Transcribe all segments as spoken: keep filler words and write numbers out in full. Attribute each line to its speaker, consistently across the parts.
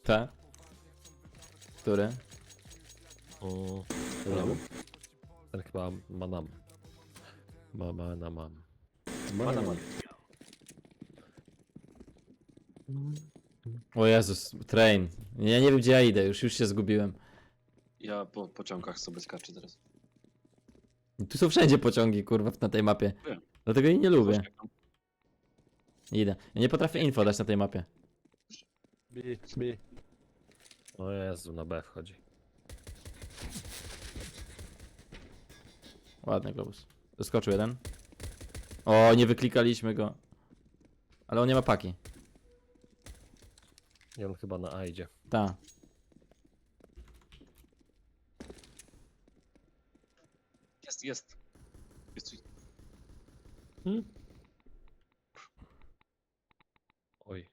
Speaker 1: Te? Który?
Speaker 2: O, ten, ten chyba manam. Mama na mam.
Speaker 3: Manam.
Speaker 1: O Jezus, train. Ja nie wiem gdzie ja idę, już, już się zgubiłem.
Speaker 3: Ja po pociągach sobie skaczę teraz.
Speaker 1: Tu są wszędzie pociągi, kurwa, na tej mapie.
Speaker 3: Wiem.
Speaker 1: Dlatego jej nie lubię.
Speaker 3: Właśnie jak tam-
Speaker 1: Idę. Ja nie potrafię info dać na tej mapie.
Speaker 2: B, B. O Jezu, na B wchodzi.
Speaker 1: Ładny globus. Doskoczył jeden. O, nie wyklikaliśmy go. Ale on nie ma paki.
Speaker 2: I on chyba na A idzie.
Speaker 1: Ta.
Speaker 3: Jest, jest. Jest coś.
Speaker 2: Hmm? Oj.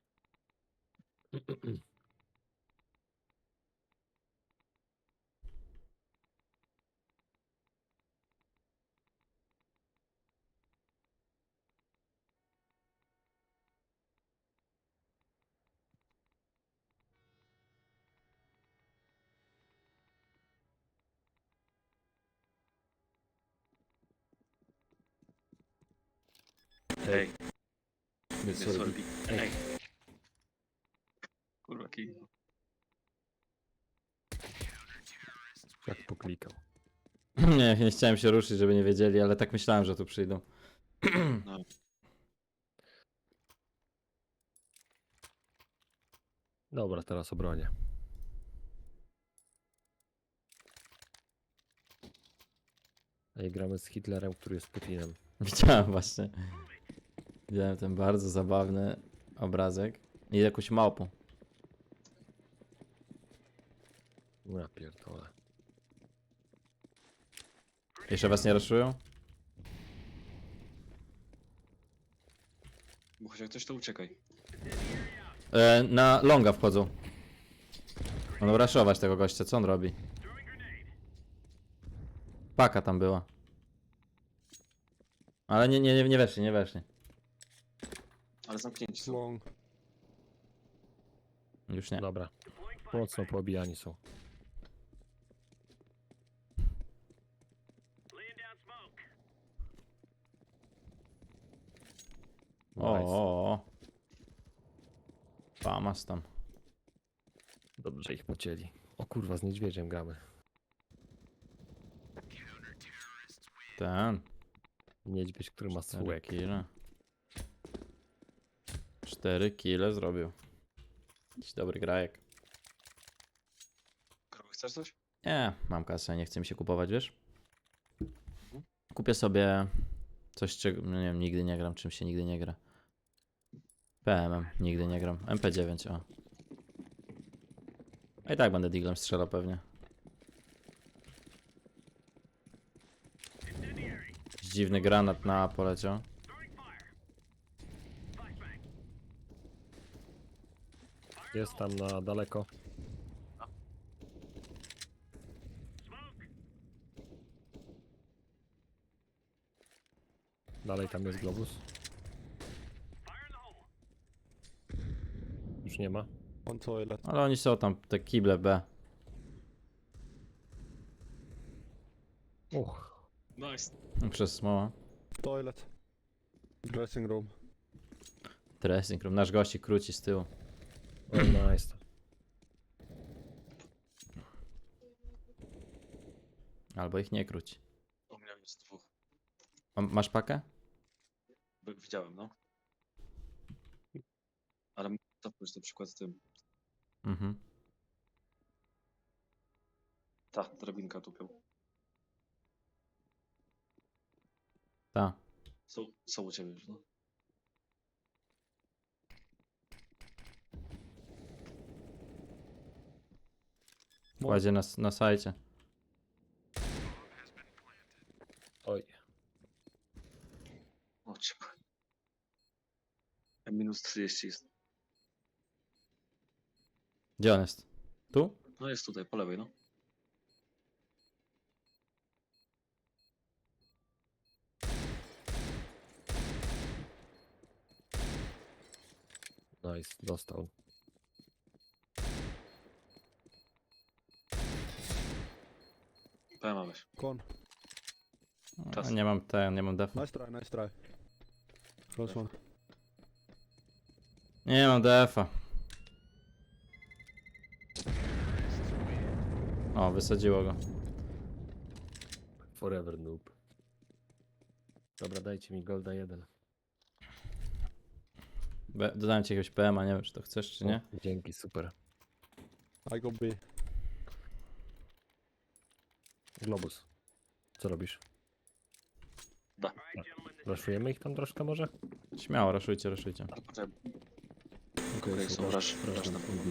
Speaker 3: Ej,
Speaker 1: Nie,
Speaker 3: nie
Speaker 1: sorry.
Speaker 3: sorbi. Ej. Kurwa, kij.
Speaker 2: Jak poklikał.
Speaker 1: Nie, nie chciałem się ruszyć, żeby nie wiedzieli, ale tak myślałem, że tu przyjdą.
Speaker 3: No.
Speaker 2: Dobra, teraz obronię. Ej, gramy z Hitlerem, który jest Putinem.
Speaker 1: Widziałem właśnie. Widziałem ten bardzo zabawny obrazek. I jakąś małpą.
Speaker 2: No ja pierdolę.
Speaker 1: Jeszcze was nie raszują?
Speaker 3: Bo chociaż ktoś to uciekaj.
Speaker 1: E, na longa wchodzą. Będą raszować tego gościa, co on robi? Paka tam była. Ale nie, nie, nie, nie weszli, nie weszli.
Speaker 3: Ale zamknięci są.
Speaker 4: Long.
Speaker 1: Już nie.
Speaker 2: Dobra. Mocno poobijani są.
Speaker 1: O,
Speaker 2: Nice.
Speaker 1: o, o. Famas tam.
Speaker 2: Dobrze ich pocięli. O kurwa, z niedźwiedziem gramy.
Speaker 1: Ten.
Speaker 2: Niedźwiedź, który ma
Speaker 1: Cztery
Speaker 2: słułek.
Speaker 1: kile. Cztery kile zrobił. Jakiś dobry grajek.
Speaker 3: Krowy, chcesz coś?
Speaker 1: Nie, mam kasę, nie chce mi się kupować, wiesz? Kupię sobie coś, czego, no nie wiem, nigdy nie gram, czym się nigdy nie gra. P M M, nigdy nie gram. M P dziewięć, o. A i tak będę diglem strzelał pewnie. Jakiś dziwny granat na A poleciał.
Speaker 2: Jest tam na daleko. Dalej tam jest globus. Już nie ma.
Speaker 4: On toilet.
Speaker 1: Ale oni są tam, te kible B.
Speaker 2: Uch.
Speaker 3: Nice.
Speaker 1: Przez smoła.
Speaker 4: Toilet. Dressing room.
Speaker 1: Dressing room, nasz gości króci z tyłu.
Speaker 2: O, nice.
Speaker 1: Albo ich nie króci.
Speaker 3: U mnie jest dwóch.
Speaker 1: A masz pakę?
Speaker 3: By- Widziałem, no. Ale to pójść na przykład z tym.
Speaker 1: Mhm.
Speaker 3: Ta, drabinka tupią.
Speaker 1: Ta.
Speaker 3: Są, są u ciebie już, no.
Speaker 1: Kładzie na, na sajcie.
Speaker 2: Oj.
Speaker 3: O cię. Minus trzydzieści jest.
Speaker 1: Gdzie on jest? Tu?
Speaker 3: No jest tutaj, po lewej, no.
Speaker 2: Nice, dostał.
Speaker 3: P M weź.
Speaker 4: Con.
Speaker 3: Czas.
Speaker 1: Nie mam ten, nie mam defa.
Speaker 4: Nice try, nice try. Close one.
Speaker 1: Nie mam defa. O, wysadziło go.
Speaker 2: Forever noob. Dobra, dajcie mi golda jeden.
Speaker 1: Be dodałem ci jakiegoś P M a, nie wiem czy to chcesz czy nie.
Speaker 2: O, dzięki, super.
Speaker 4: I go B.
Speaker 2: Globus. Co robisz?
Speaker 3: Da.
Speaker 2: Raszujemy ich tam troszkę może?
Speaker 1: Śmiało, raszujcie, raszujcie.
Speaker 3: Ale poczekaj,
Speaker 2: Okej,
Speaker 3: okay, są rush, rush na pewno.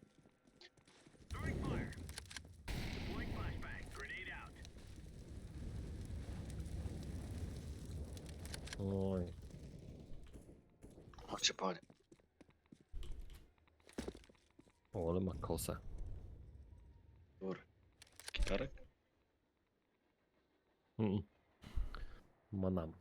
Speaker 2: Oj.
Speaker 3: Chodźcie, panie.
Speaker 2: O, ale ma kosę.
Speaker 3: Dobra. Gitarek?
Speaker 2: Mm. Manam.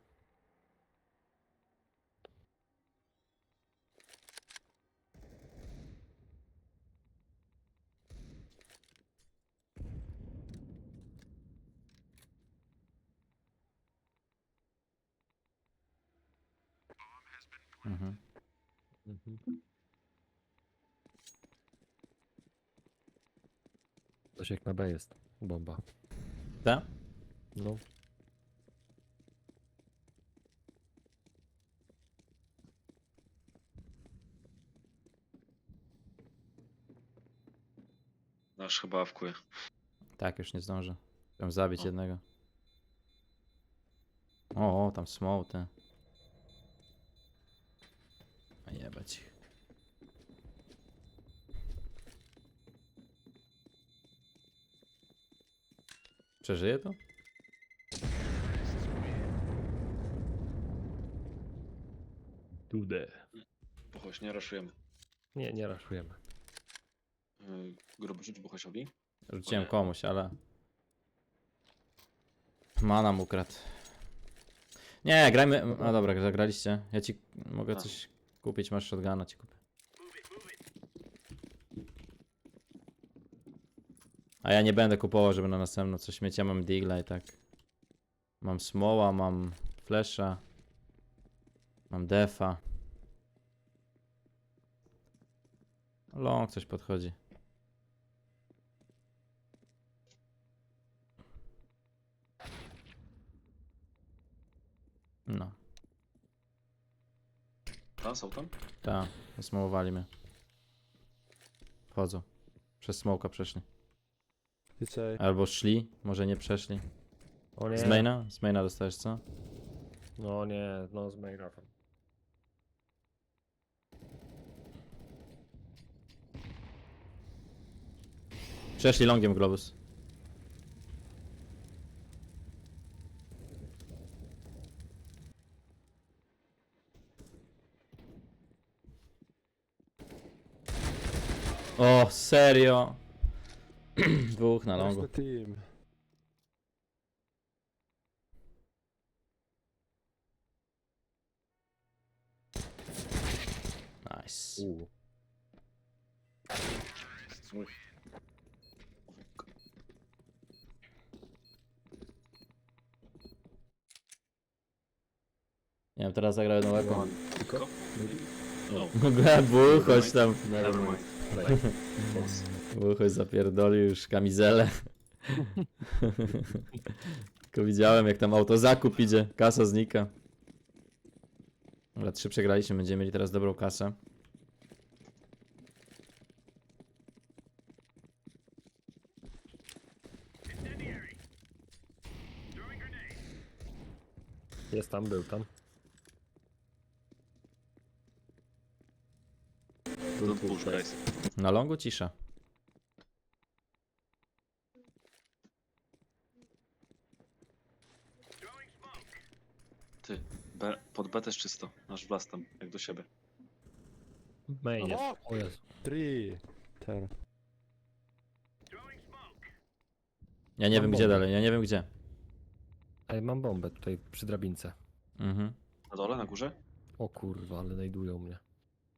Speaker 1: Mhm.
Speaker 2: Mhm. Coś jak na B jest. Bomba.
Speaker 1: Da?
Speaker 2: No.
Speaker 3: Nasz chyba awkuje.
Speaker 1: Tak, już nie zdążę. Chciałem zabić
Speaker 3: O.
Speaker 1: jednego. O, o, tam small, te. A jebać ich. Przeżyje to?
Speaker 2: Tude.
Speaker 3: Buchoś, nie raszujemy.
Speaker 2: Nie, nie raszujemy.
Speaker 3: Yy, gruby rzuć Buchosiowi.
Speaker 1: Rzuciłem
Speaker 3: nie.
Speaker 1: komuś, ale... Mana mu ukradł. Nie, grajmy... A dobra, zagraliście. Ja ci mogę
Speaker 3: A.
Speaker 1: coś kupić, masz shotguna, ci kupię. A ja nie będę kupował, żeby na następną coś mieć. Ja mam digla i tak. Mam smoła, mam flesza. Mam defa. Long coś podchodzi. No,
Speaker 3: A, są tam?
Speaker 1: tak, zasmowali mnie. Wchodzą. Przez smoka przeszli.
Speaker 4: It's A.
Speaker 1: Albo szli, może nie przeszli.
Speaker 2: O nie.
Speaker 1: Z maina? Z maina dostajesz co?
Speaker 2: No nie, no z maila tam.
Speaker 1: Przeszli longiem globus. O, serio? Dwóch na
Speaker 4: Where's
Speaker 1: longu.
Speaker 4: the team?
Speaker 1: Nice.
Speaker 2: U.
Speaker 3: Mój.
Speaker 1: Nie wiem, teraz zagrał jedną łapą.
Speaker 3: Tylko? No.
Speaker 1: Był, chodź tam.
Speaker 3: Nevermind.
Speaker 1: Był, chodź zapierdolił już kamizelę. Tylko widziałem jak tam autozakup idzie, kasa znika. Dobra, trzy przegraliśmy, będziemy mieli teraz dobrą kasę.
Speaker 2: Jest tam, był tam.
Speaker 3: Don't push, guys.
Speaker 1: Na longu cisza.
Speaker 3: Ty, B, pod B też czysto. Nasz blast tam, jak do siebie.
Speaker 2: Main jest.
Speaker 4: O!
Speaker 2: O Jezu.
Speaker 4: Three. Ten.
Speaker 1: Ja nie
Speaker 2: Mam
Speaker 1: wiem gdzie
Speaker 2: bombę.
Speaker 1: dalej, ja nie wiem gdzie.
Speaker 2: Ej, mam bombę tutaj przy drabince.
Speaker 1: Mhm.
Speaker 3: Na dole, na górze?
Speaker 2: O kurwa, ale znajdują mnie.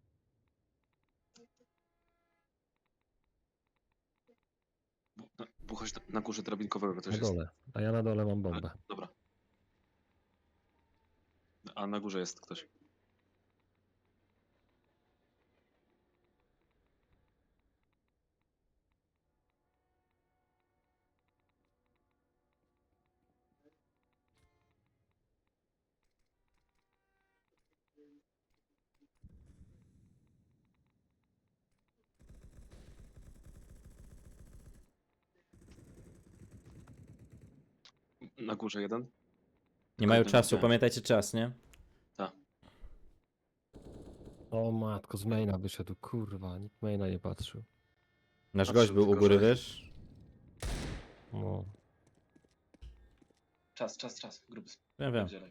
Speaker 3: Bu, na, bu, Buchać na górze drabinkowego
Speaker 2: Na
Speaker 3: też jest.
Speaker 2: dole. A ja na dole mam bombę.
Speaker 3: Dobra. A na górze jest ktoś. Na górze jeden.
Speaker 1: Nie mają
Speaker 3: Kurde,
Speaker 1: czasu,
Speaker 3: widziałem.
Speaker 1: pamiętajcie czas, nie?
Speaker 2: O matko, z maina wyszedł, kurwa, nikt maina nie patrzył.
Speaker 1: Nasz
Speaker 3: Patrzę
Speaker 1: gość był u
Speaker 3: tylko,
Speaker 1: góry,
Speaker 3: że-
Speaker 1: wiesz?
Speaker 2: No.
Speaker 3: Czas, czas, czas. Gruby
Speaker 1: Ja wiem.
Speaker 3: spierdzielaj.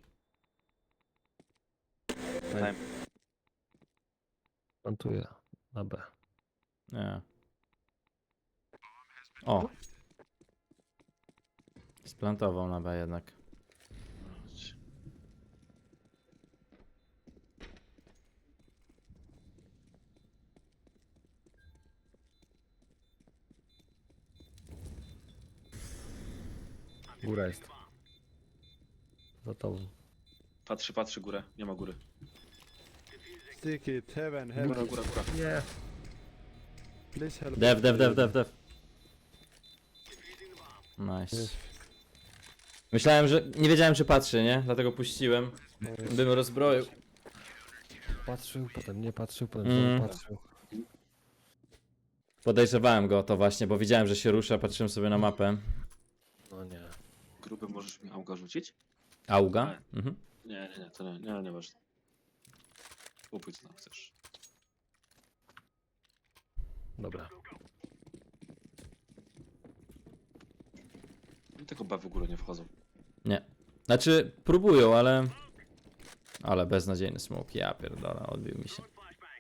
Speaker 2: Ej, plantuję na B.
Speaker 1: Nie. O. Splantował na B jednak.
Speaker 2: Góra jest. Za tobą.
Speaker 3: Patrzy, patrzy górę. Nie ma góry.
Speaker 4: Stick it, heaven,
Speaker 3: Góra,
Speaker 4: heaven.
Speaker 3: góra, góra.
Speaker 2: Nie.
Speaker 4: Please help.
Speaker 1: Dev,
Speaker 4: me.
Speaker 1: dev, dev, dev, dev. Nice.
Speaker 4: Yes.
Speaker 1: Myślałem, że... Nie wiedziałem, czy patrzy, nie? Dlatego puściłem. Bym rozbroił.
Speaker 2: Patrzył, potem nie patrzył, potem
Speaker 1: Mm.
Speaker 2: znowu patrzył.
Speaker 1: Podejrzewałem go o to właśnie, bo widziałem, że się rusza, patrzyłem sobie na mapę.
Speaker 2: No nie.
Speaker 3: Gruby możesz mi Auga rzucić?
Speaker 1: Auga? Mhm.
Speaker 3: Nie, nie, nie, to nie, nie, nie ważne. Kupuj co tam chcesz.
Speaker 2: Dobra.
Speaker 3: I tylko B w górę nie wchodzą.
Speaker 1: Nie. Znaczy, próbują, ale... Ale beznadziejny smoke, ja pierdolę, odbił mi się.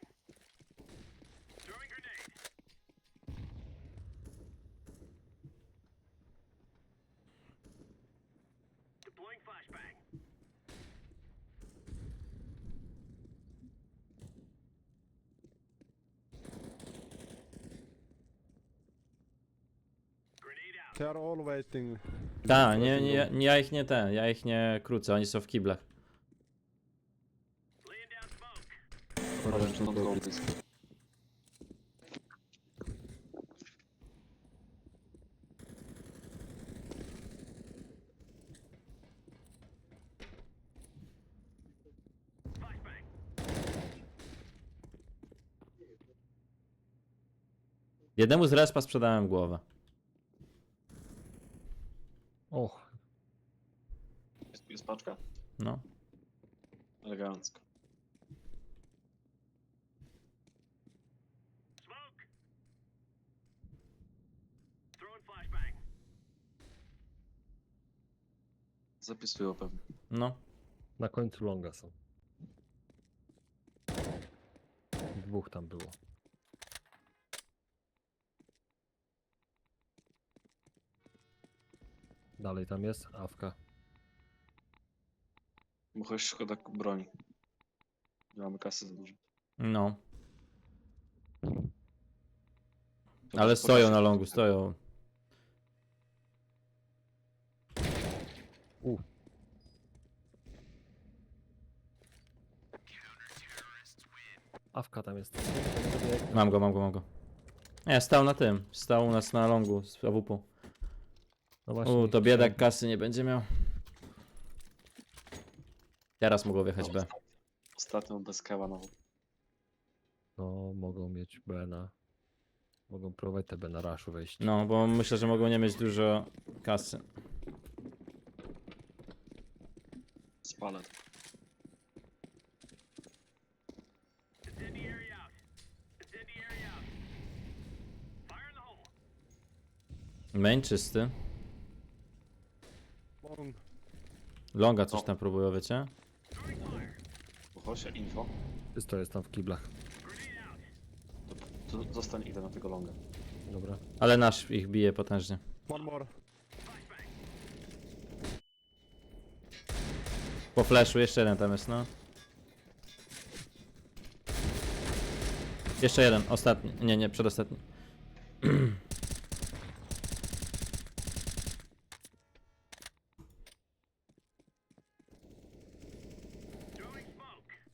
Speaker 4: They are all waiting.
Speaker 1: Tak, nie, nie, nie, ja ich nie ten, ja ich nie krócę, oni są w kiblach.
Speaker 3: Uważaj, że don't go please.
Speaker 1: Jednemu z respa sprzedałem głowę.
Speaker 2: Och,
Speaker 3: Jest, jest paczka?
Speaker 1: No.
Speaker 3: Elegancko. Zapisują pewnie.
Speaker 1: No.
Speaker 2: na końcu longa są. Dwóch tam było. Dalej tam jest Awka.
Speaker 3: Bo choć szkoda broni. Nie mamy kasy za dużo.
Speaker 1: No.
Speaker 3: To
Speaker 1: Ale
Speaker 3: też
Speaker 1: stoją
Speaker 3: pokażę.
Speaker 1: na longu, stoją.
Speaker 2: U. Awka tam jest.
Speaker 1: Mam go, mam go, mam go. Nie, stał na tym. Stał u nas na longu z A W P.
Speaker 2: No właśnie.
Speaker 1: U, to biedak kasy nie będzie miał. Teraz mogło wjechać B.
Speaker 3: Ostatnią bez keła nową.
Speaker 2: No, mogą mieć B na... Mogą próbować te B na raszu wejść.
Speaker 1: No, bo myślę, że mogą nie mieć dużo kasy.
Speaker 3: Spalę to.
Speaker 1: Main czysty.
Speaker 4: Long.
Speaker 1: Longa coś
Speaker 3: O.
Speaker 1: tam próbują, wiecie?
Speaker 3: Uchosia, info.
Speaker 2: Czysto jest tam w kiblach.
Speaker 3: To, to zostań, idę na tego longa.
Speaker 2: Dobra.
Speaker 1: Ale nasz ich bije potężnie.
Speaker 4: One more.
Speaker 1: Po flashu jeszcze jeden tam jest, no. Jeszcze jeden, ostatni. Nie, nie, przedostatni.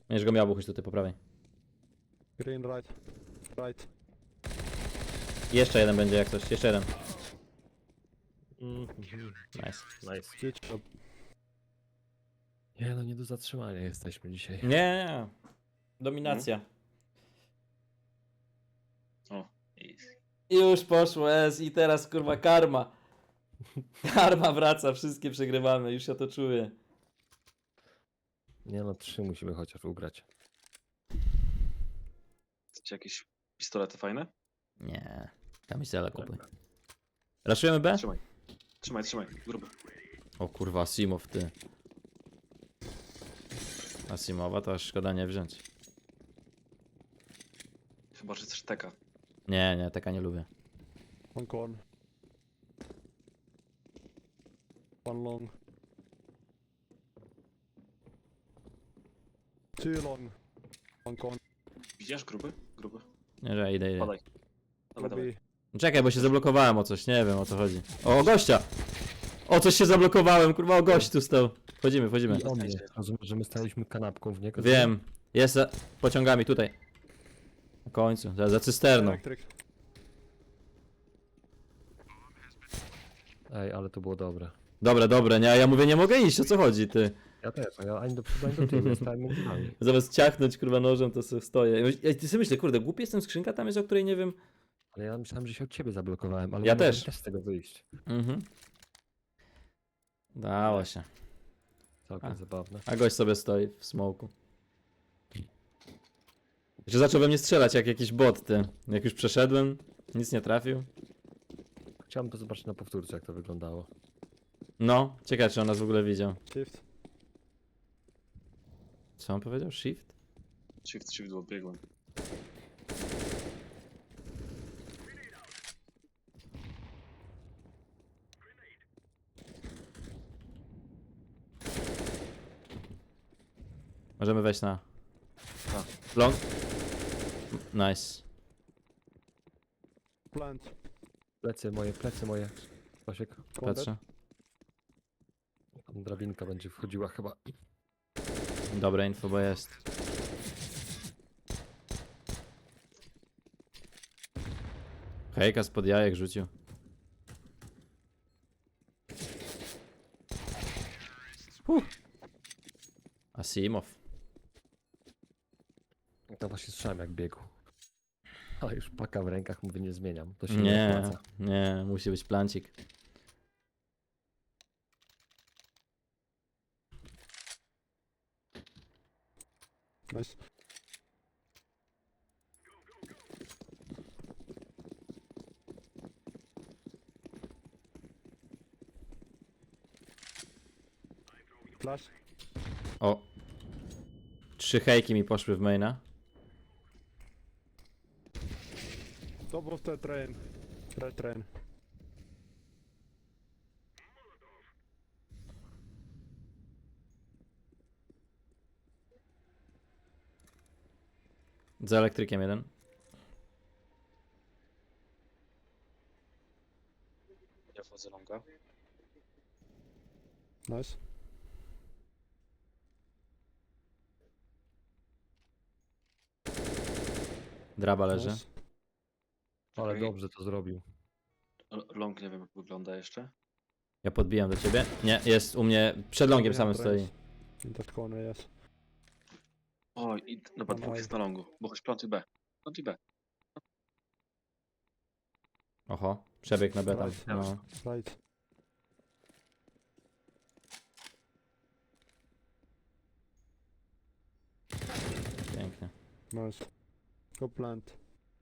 Speaker 1: Będziesz go miał, bo chodź tutaj po prawej.
Speaker 4: Green right. Right.
Speaker 1: Jeszcze jeden będzie jak coś, jeszcze jeden.
Speaker 2: Mm, mhm.
Speaker 1: Nice.
Speaker 2: Nice.
Speaker 4: Good job.
Speaker 2: Nie no, nie do zatrzymania jesteśmy dzisiaj.
Speaker 1: Nie, nie, nie. Dominacja.
Speaker 3: O, easy.
Speaker 1: I już poszło S i teraz kurwa karma. Karma wraca, wszystkie przegrywamy, już ja to czuję.
Speaker 2: Nie no, trzy musimy chociaż ugrać.
Speaker 3: Chcecie jakieś pistolety fajne?
Speaker 1: Nie, kamisela kupuj. Raszujemy B?
Speaker 3: Trzymaj. Trzymaj, trzymaj. Gruby.
Speaker 1: O kurwa, Asimow ty. Asimowa to aż szkoda nie wziąć.
Speaker 3: Chyba, że chcesz teka.
Speaker 1: Nie, nie, taka nie lubię.
Speaker 4: One corn. One long. Two long. One corn.
Speaker 3: Widzisz gruby? Gruby.
Speaker 1: Nie, że idę, idę.
Speaker 3: Padaj. Dawaj, dawaj.
Speaker 4: Lobby.
Speaker 1: Czekaj, bo się zablokowałem o coś, nie wiem o co chodzi. O, o gościa! O coś się zablokowałem, kurwa, o gość tu stał. Wchodzimy, wchodzimy.
Speaker 2: I o mnie. Rozumiesz, że my staliśmy kanapką w niego?
Speaker 1: Wiem, jest za pociągami tutaj. Na końcu, za, za cysterną.
Speaker 4: Electric.
Speaker 2: Ej, ale to było dobre.
Speaker 1: Dobre, dobre, nie, a ja mówię, nie mogę iść, o co chodzi, ty?
Speaker 2: Ja też, a ja ani do przodu, ani do tyłu, stałem między nami.
Speaker 1: Zamiast ciachnąć, kurwa, nożem, to sobie stoję. Ja ty sobie myślę, kurde, głupi jestem, skrzynka tam jest, o której nie wiem.
Speaker 2: Ale ja myślałem, że się od ciebie zablokowałem, ale
Speaker 1: Ja
Speaker 2: nie mogłem
Speaker 1: też.
Speaker 2: też z tego wyjść.
Speaker 1: Mhm. Dało się.
Speaker 2: Całkiem
Speaker 1: A.
Speaker 2: zabawne.
Speaker 1: A gość sobie stoi w smoku. Że zaczął we mnie strzelać jak jakiś bot, ty. Jak już przeszedłem, nic nie trafił.
Speaker 2: Chciałem to zobaczyć na powtórce, jak to wyglądało.
Speaker 1: No, ciekawe, czy on nas w ogóle widział.
Speaker 4: Shift.
Speaker 1: Co on powiedział? Shift?
Speaker 3: Shift, shift, bo biegłem.
Speaker 1: Możemy wejść na...
Speaker 3: Tak.
Speaker 1: Long? Nice.
Speaker 4: Plant.
Speaker 2: Plecy moje, plecy moje. Stasiek,
Speaker 4: One
Speaker 1: Patrzę.
Speaker 2: tam drabinka będzie wchodziła chyba.
Speaker 1: Dobre info, bo jest. Hejka spod jajek rzucił. Huh. Asimow.
Speaker 2: To właśnie słyszałem jak biegł. Ale już paka w rękach, mówię, nie zmieniam. To się nie,
Speaker 1: Nie,
Speaker 2: opłaca.
Speaker 1: nie, musi być plancik.
Speaker 4: Nice. Flash.
Speaker 1: O. Trzy hejki mi poszły w maina.
Speaker 4: Top of the train. Red train.
Speaker 1: Za elektrykiem jeden.
Speaker 3: Ja wchodzę longa.
Speaker 4: Nice.
Speaker 1: Draba leży.
Speaker 4: Nice.
Speaker 2: Ale
Speaker 3: Okej.
Speaker 2: dobrze to zrobił.
Speaker 3: L- Long nie wiem jak wygląda jeszcze.
Speaker 1: Ja podbijam do ciebie. Nie, jest u mnie przed longiem samym stoi.
Speaker 4: In that corner, yes.
Speaker 3: O, i dobra, dwóch jest na longu. Bo chodź plantuj B. Plantuj B.
Speaker 1: Oho, przebieg na B tam.
Speaker 4: Right.
Speaker 1: No.
Speaker 4: Right.
Speaker 1: Pięknie.
Speaker 4: Nice. Go plant.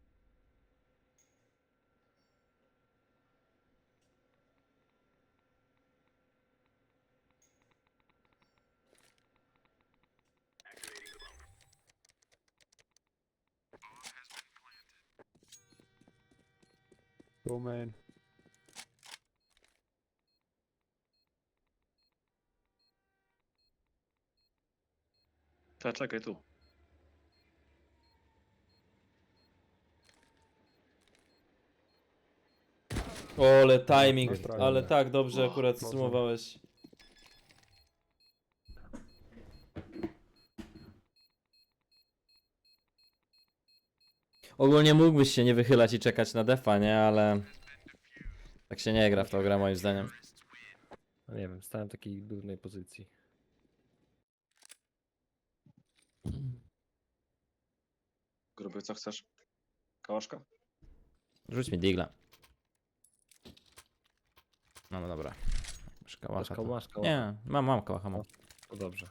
Speaker 4: Go main.
Speaker 3: Czekaj, czekaj tu.
Speaker 1: Ole, timing,
Speaker 4: Nice try.
Speaker 1: ale tak dobrze
Speaker 3: Och,
Speaker 1: akurat
Speaker 4: mocno.
Speaker 1: sumowałeś. Ogólnie mógłbyś się nie wychylać i czekać na defa, nie? Ale... Tak się nie gra w tą grę moim zdaniem.
Speaker 2: No nie wiem, stałem w takiej durnej pozycji.
Speaker 3: Gruby, co chcesz? Kałaszka?
Speaker 1: Rzuć mi digla. No, no dobra. Masz kałacha,
Speaker 2: Masz
Speaker 1: to...
Speaker 2: koło, masz koło.
Speaker 1: Nie, mam, mam kałacha, mam.
Speaker 2: To dobrze.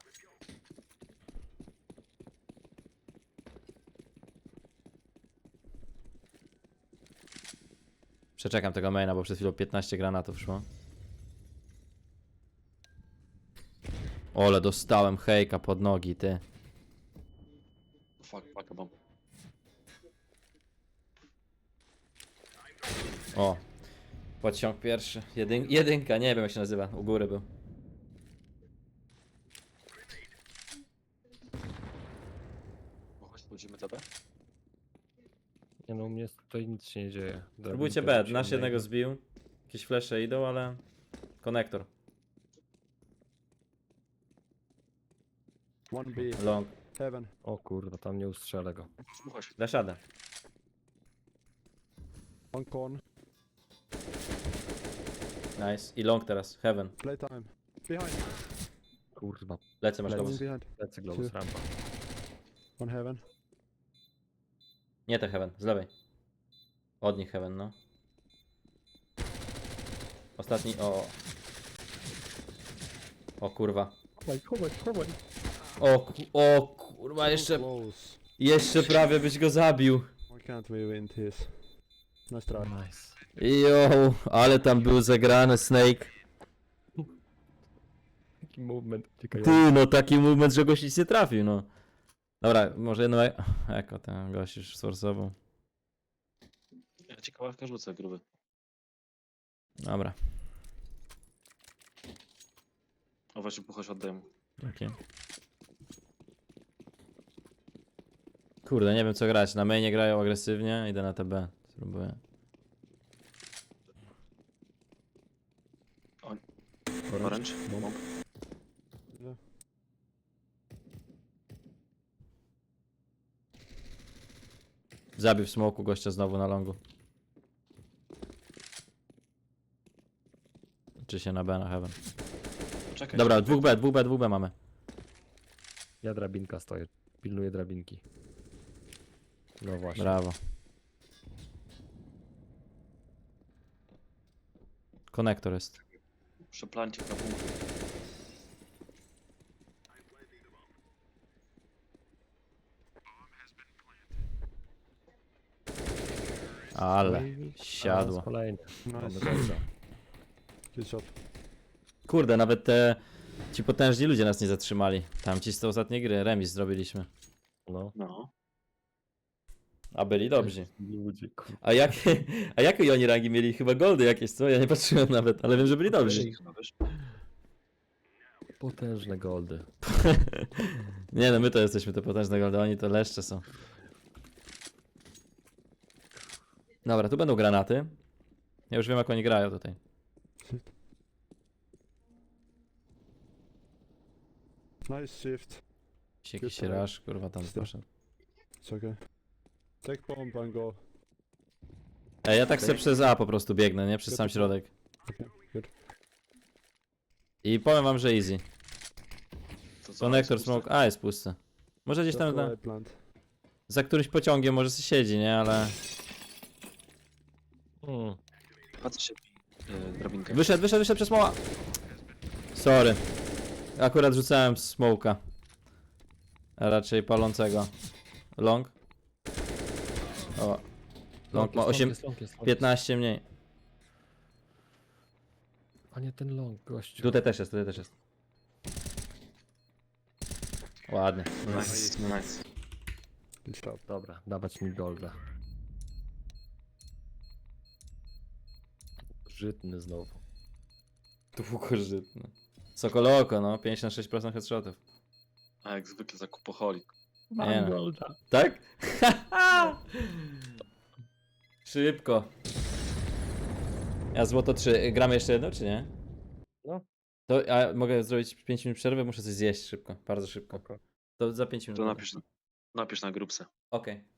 Speaker 1: Przeczekam tego maina, bo przed chwilą piętnaście granatów szło. Ole, dostałem hejka pod nogi, ty.
Speaker 3: Fuck, fuck, mam.
Speaker 1: O. Podciąg pierwszy. Jedyn jedynka, nie wiem jak się nazywa. U góry był.
Speaker 3: Bo chodź, budzimy tebe.
Speaker 2: Nie no, u mnie tutaj nic się nie dzieje.
Speaker 1: Próbujcie
Speaker 2: Drabinka
Speaker 1: B.
Speaker 2: się
Speaker 1: Nasz
Speaker 2: oddaje.
Speaker 1: jednego zbił. Jakieś flesze idą, ale... Konektor.
Speaker 4: One B,
Speaker 1: Long.
Speaker 4: heaven.
Speaker 2: O kurwa, tam nie ustrzelę go.
Speaker 3: Chodź.
Speaker 1: Dasz radę.
Speaker 4: One con.
Speaker 1: Nice. I long teraz. Heaven.
Speaker 4: Playtime. Behind.
Speaker 2: Kurwa,
Speaker 1: Lecę, masz
Speaker 2: Lecę.
Speaker 1: globus.
Speaker 4: Behind.
Speaker 2: lecę globus
Speaker 4: Trzy.
Speaker 2: rampa.
Speaker 4: One heaven.
Speaker 1: Nie te heaven, z lewej. Od nich heaven, no. Ostatni, o. O kurwa.
Speaker 2: Chowaj, chowaj, chowaj.
Speaker 1: O, ku- o kurwa, jeszcze,
Speaker 4: Close.
Speaker 1: jeszcze prawie byś go zabił.
Speaker 4: Why can't we win this? Nice try.
Speaker 2: Nice.
Speaker 1: Jo, ale tam był zagrany Snake.
Speaker 2: Taki movement uciekający.
Speaker 1: Ty, no taki movement, że gość nic nie trafił, no. Dobra, może jedno e- eko ten gość już sforsował.
Speaker 3: Ja ci kałaszka rzucę, gruby.
Speaker 1: Dobra,
Speaker 3: O, właśnie puchoś oddaję mu.
Speaker 1: okej. Kurde, nie wiem co grać. Na mainie grają agresywnie, idę na T B. Spróbuję.
Speaker 3: Orange?
Speaker 2: Bomb.
Speaker 3: Bomb.
Speaker 4: Yeah.
Speaker 1: Zabił w smoku gościa znowu na longu. Czy się na B, na heaven.
Speaker 3: Czekaj.
Speaker 1: Dobra,
Speaker 3: czekaj.
Speaker 1: dwóch B, dwóch B, dwóch B mamy.
Speaker 2: Ja drabinka stoję. Pilnuję drabinki. No właśnie.
Speaker 1: Brawo. Konektor jest.
Speaker 3: Przeplancik na punkt.
Speaker 1: Ale
Speaker 2: No i-
Speaker 1: siadło.
Speaker 2: A, kolejny. Mamy
Speaker 4: Nice.
Speaker 2: dobrze.
Speaker 4: Good shot.
Speaker 1: Kurde, nawet te ci potężni ludzie nas nie zatrzymali. Tam ci z tej ostatniej gry remis zrobiliśmy.
Speaker 2: No.
Speaker 3: No.
Speaker 1: A byli dobrzy.
Speaker 2: Ludzie, kurwa.
Speaker 1: A jak, a jakie oni rangi mieli? Chyba goldy jakieś, co? Ja nie patrzyłem nawet, ale wiem, że byli dobrzy.
Speaker 3: Chyba, wiesz?
Speaker 2: Potężne goldy.
Speaker 1: Nie no, my to jesteśmy te potężne goldy, oni to leszcze są. Dobra, tu będą granaty. Ja już wiem jak oni grają tutaj.
Speaker 4: Nice shift.
Speaker 1: Jakiś
Speaker 4: Good try.
Speaker 1: rush, kurwa tam poszedł.
Speaker 4: It's okay. Take bomb and go.
Speaker 1: Ej, ja tak sobie przez A po prostu biegnę, nie? Przez sam środek.
Speaker 4: Okay, good.
Speaker 1: I powiem wam, że easy.
Speaker 3: To co,
Speaker 1: Konektor,
Speaker 3: jest puste?
Speaker 1: smoke, A jest pusty. Może gdzieś tam
Speaker 4: Just go
Speaker 1: na,
Speaker 4: A plant.
Speaker 1: za którymś pociągiem może sobie siedzi, nie? Ale...
Speaker 2: Mm.
Speaker 3: Patrz się. Yy, drabinkę.
Speaker 1: Wyszedł, wyszedł, wyszedł przez smoła. Sorry. Akurat rzucałem smoka. A raczej palącego. Long. O. Long ma
Speaker 2: jest,
Speaker 1: osiem,
Speaker 2: jest, long jest, long jest.
Speaker 1: piętnaście mniej.
Speaker 2: A nie ten long, gościu.
Speaker 1: Tutaj też jest, tutaj też jest. Ładnie.
Speaker 3: Nice, nice.
Speaker 4: Good stop.
Speaker 2: Dobra, dawać mi golda. Żytny znowu.
Speaker 1: Długożytny. Sokoloko, no. pięćdziesiąt sześć procent headshotów.
Speaker 3: A jak zwykle zakupoholik.
Speaker 1: Nie no.
Speaker 2: golda.
Speaker 1: Tak? Szybko. Ja złoto trzy. Gramy jeszcze jedno, czy nie?
Speaker 2: No.
Speaker 1: To a mogę zrobić pięć minut przerwy? Muszę coś zjeść szybko. Bardzo szybko.
Speaker 2: Spoko.
Speaker 1: To za pięć minut.
Speaker 3: To
Speaker 1: będę.
Speaker 3: napisz, napisz na grupce.
Speaker 1: Okej.